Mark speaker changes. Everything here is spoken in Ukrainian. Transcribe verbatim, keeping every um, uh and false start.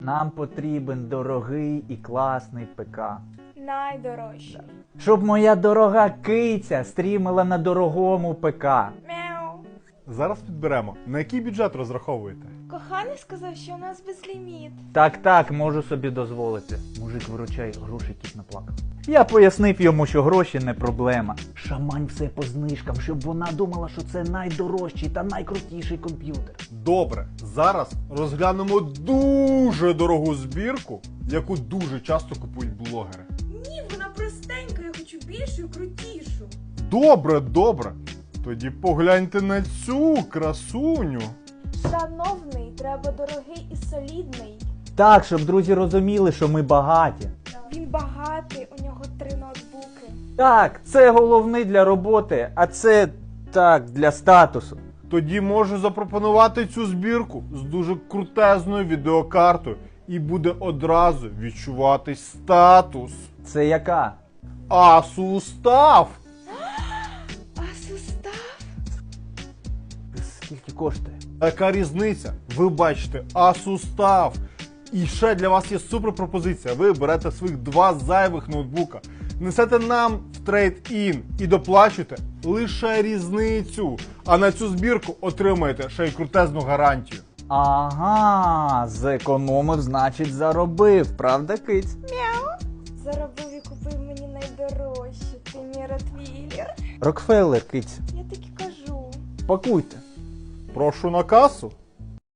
Speaker 1: Нам потрібен дорогий і класний ПК.
Speaker 2: Найдорожчий.
Speaker 1: Щоб моя дорога киця стрімила на дорогому ПК.
Speaker 2: Мяу.
Speaker 3: Зараз підберемо. На який бюджет розраховуєте?
Speaker 2: Коханий сказав, що у нас безліміт.
Speaker 1: Так, так, можу собі дозволити. Мужик, виручай, грошей кіт наплакав. Я пояснив йому, що гроші не проблема. Шамань все по знижкам, щоб вона думала, що це найдорожчий та найкрутіший комп'ютер.
Speaker 3: Добре, зараз розглянемо дуже дорогу збірку, яку дуже часто купують блогери.
Speaker 2: Ні, вона простенька, я хочу більшу і крутішу.
Speaker 3: Добре, добре. Тоді погляньте на цю красуню.
Speaker 2: Шановний, треба дорогий і солідний.
Speaker 1: Так, щоб друзі розуміли, що ми багаті.
Speaker 2: Він багатий, у нього три ноутбуки.
Speaker 1: Так, це головний для роботи, а це, так, для статусу.
Speaker 3: Тоді можу запропонувати цю збірку з дуже крутезною відеокартою і буде одразу відчуватись статус.
Speaker 1: Це яка?
Speaker 3: Asus TUF!
Speaker 2: А сустав?
Speaker 1: Скільки коштує?
Speaker 3: Яка різниця? Ви бачите, Asus TUF. І ще для вас є супер пропозиція. Ви берете своїх два зайвих ноутбука, несете нам в трейд-ін і доплачуєте лише різницю. А на цю збірку отримаєте ще й крутезну гарантію.
Speaker 1: Ага, зекономив, значить заробив, правда, киць?
Speaker 2: Заробив і купив мені найдорожче. Ти мій ротвейлер.
Speaker 1: Рокфеллер, киць,
Speaker 2: Я так і кажу.
Speaker 1: пакуйте.
Speaker 3: Прошу на касу.